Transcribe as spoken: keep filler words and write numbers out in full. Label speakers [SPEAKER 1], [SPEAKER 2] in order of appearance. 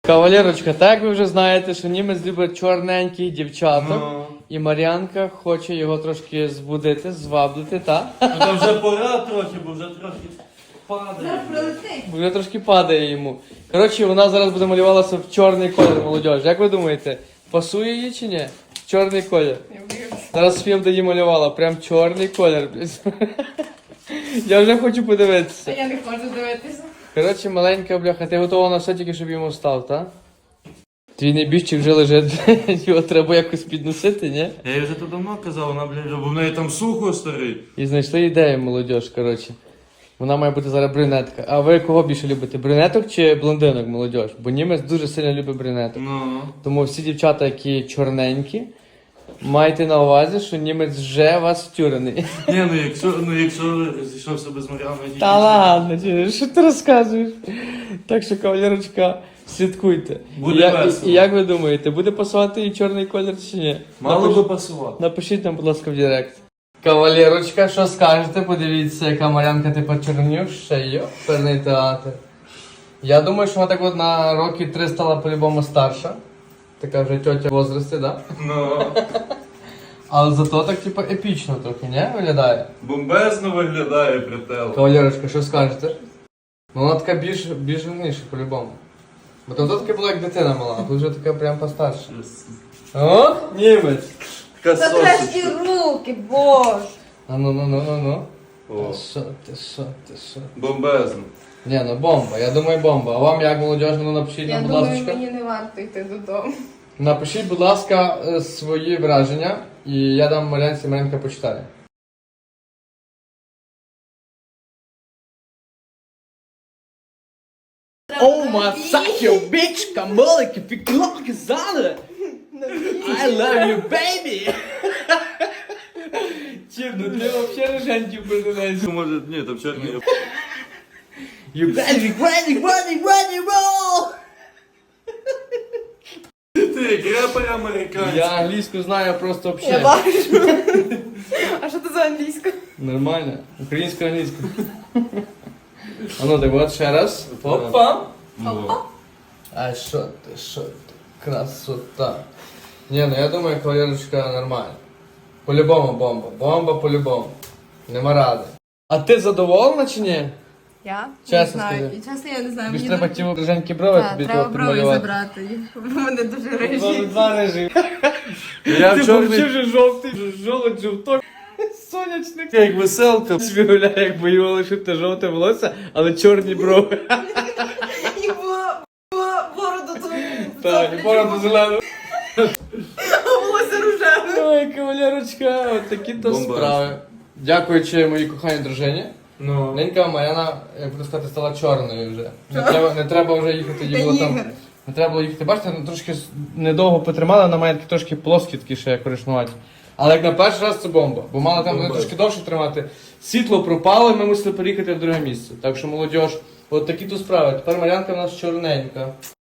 [SPEAKER 1] Кавалерочка, так як ви вже знаєте, що німець любить чорненьких дівчаток.
[SPEAKER 2] Ну.
[SPEAKER 1] І Мар'янка хоче його трошки збудити, зваблити, так?
[SPEAKER 2] Ну там вже пора трохи, бо вже трохи падає.
[SPEAKER 3] Зараз прилетить.
[SPEAKER 1] Бо вже трошки падає йому. Коротше, вона зараз буде малювалася в чорний колір, молодіж. Як ви думаєте, пасує їй чи ні? Чорний колір. Зараз Фєвда її малювала, прям чорний колір. Я вже хочу
[SPEAKER 3] А
[SPEAKER 1] подивитися.
[SPEAKER 3] я не хочу дивитися.
[SPEAKER 1] Коротше, маленька бляха, ти готова на все тільки, щоб йому став, так? Твій небіжчик вже лежить, його треба якось підносити, ні?
[SPEAKER 2] Я їй вже то давно казав, вона, блядь, бо в неї там сухо старий.
[SPEAKER 1] І знайшли ідею, молодіж, коротше. Вона має бути зараз брюнетка. А ви кого більше любите? Брюнеток чи блондинок, молодіж? Бо німець дуже сильно любить брюнеток.
[SPEAKER 2] Ну.
[SPEAKER 1] Тому всі дівчата, які чорненькі, майте на увазі, що німець вже вас втюрений.
[SPEAKER 2] Ні, ну якщо, ну якщо зійшовся без Мар'яною.
[SPEAKER 1] Та ладно, чи- що ти розказуєш? Так що, кавалерочка, слідкуйте.
[SPEAKER 2] Буде
[SPEAKER 1] І я-
[SPEAKER 2] весело.
[SPEAKER 1] І, і як ви думаєте, буде пасувати і чорний колір чи ні?
[SPEAKER 2] Мало
[SPEAKER 1] Напиш-
[SPEAKER 2] би пасувати.
[SPEAKER 1] Напишіть нам, будь ласка, в Директ. Кавалерочка, що скажете? Подивіться, яка Мар'янка тепер чорнівша. Йоперний театр. Я думаю, що вона так от на роки три стала по-любому старша. Така вже тьотя в возрасті, да?
[SPEAKER 2] Ну.
[SPEAKER 1] Але зато так, типу, епічно трохи, не? Виглядає.
[SPEAKER 2] Бомбезно виглядає прител.
[SPEAKER 1] Кавалерочка, що скажете? Ну вона така більш, більш гарніша по-любому. Бо там то таке була як дитина мала, а тут вже така прям постарша. О, німець!
[SPEAKER 2] Така
[SPEAKER 3] Затреш
[SPEAKER 2] сосочка.
[SPEAKER 3] ті руки, боже.
[SPEAKER 1] А ну ну ну ну ну.
[SPEAKER 2] О,
[SPEAKER 1] Та що ти, що ти, що?
[SPEAKER 2] бомбезно.
[SPEAKER 1] Ні, ну бомба, я думаю бомба. А вам як молодіж, ну напишіть
[SPEAKER 3] Я
[SPEAKER 1] нам, будь
[SPEAKER 3] думаю,
[SPEAKER 1] ласка.
[SPEAKER 3] мені не варто йти додому.
[SPEAKER 1] Напишіть, будь ласка, е, свої враження, і я дам Мар'янці, Мар'янка почитає. Oh my suck your bitch, камолики, фіклоки, зали! I love you, baby! Чим, ну ти взагалі роженьків придивляєшся.
[SPEAKER 2] Може, ні, там чорний.
[SPEAKER 1] You ready, ready, ready, ready, roll!
[SPEAKER 2] Ти як репер американський.
[SPEAKER 1] Я англійську знаю просто
[SPEAKER 3] Я
[SPEAKER 1] взагалі.
[SPEAKER 3] бачу. А що це за англійська?
[SPEAKER 1] Нормально. Українська англійська. А ну так от ще раз. Опа.
[SPEAKER 2] О.
[SPEAKER 1] А що ти, що ти? Красота. Ні, ну я думаю, кавалерочка нормально. По-любому бомба. Бомба по-любому. Нема ради. А ти задоволена чи ні?
[SPEAKER 3] Я?
[SPEAKER 1] Чесно
[SPEAKER 3] не знаю.
[SPEAKER 1] скажи.
[SPEAKER 3] І чесно, я не знаю.
[SPEAKER 1] Тобі ж
[SPEAKER 3] Мені
[SPEAKER 1] треба
[SPEAKER 3] дуже-
[SPEAKER 1] ті роженькі брови
[SPEAKER 3] Так,
[SPEAKER 1] тобі
[SPEAKER 3] треба
[SPEAKER 1] того
[SPEAKER 3] брови
[SPEAKER 1] підмалювати.
[SPEAKER 3] забрати. Бо вони дуже
[SPEAKER 1] Два-
[SPEAKER 3] режі.
[SPEAKER 1] Два режими.
[SPEAKER 2] Я
[SPEAKER 1] Ти
[SPEAKER 2] чорний.
[SPEAKER 1] взагалі вже жовтий, жолудь, жовток. Сонячник.
[SPEAKER 2] Як веселка.
[SPEAKER 1] Собі гуляє, як би його лишити жовте волосся, але чорні брови.
[SPEAKER 3] І бо- бо- бороду твою.
[SPEAKER 1] Так, і бороду зелену.
[SPEAKER 3] А волосся рожеве.
[SPEAKER 1] Ой, кавалерочка, от такі то
[SPEAKER 2] Бомба.
[SPEAKER 1] справи. Дякуючи моїй коханій дружині,
[SPEAKER 2] Ну.
[SPEAKER 1] ненька Мар'яна, як буду сказати, стала чорною вже. Не треба, не треба вже їхати, їй
[SPEAKER 3] Та
[SPEAKER 1] було там.
[SPEAKER 3] Ігор.
[SPEAKER 1] Не треба було їхати. Бачите, ну, трошки с- недовго потримала, вона має такі трошки плоскі такі ще коричневаті. Але як на перший раз це бомба, бо мала там
[SPEAKER 2] Бомба.
[SPEAKER 1] вони трошки довше тримати. Світло пропало, і ми мусили переїхати в друге місце. Так що молодіж, от такі то справи. Тепер Мар'янка в нас чорненька.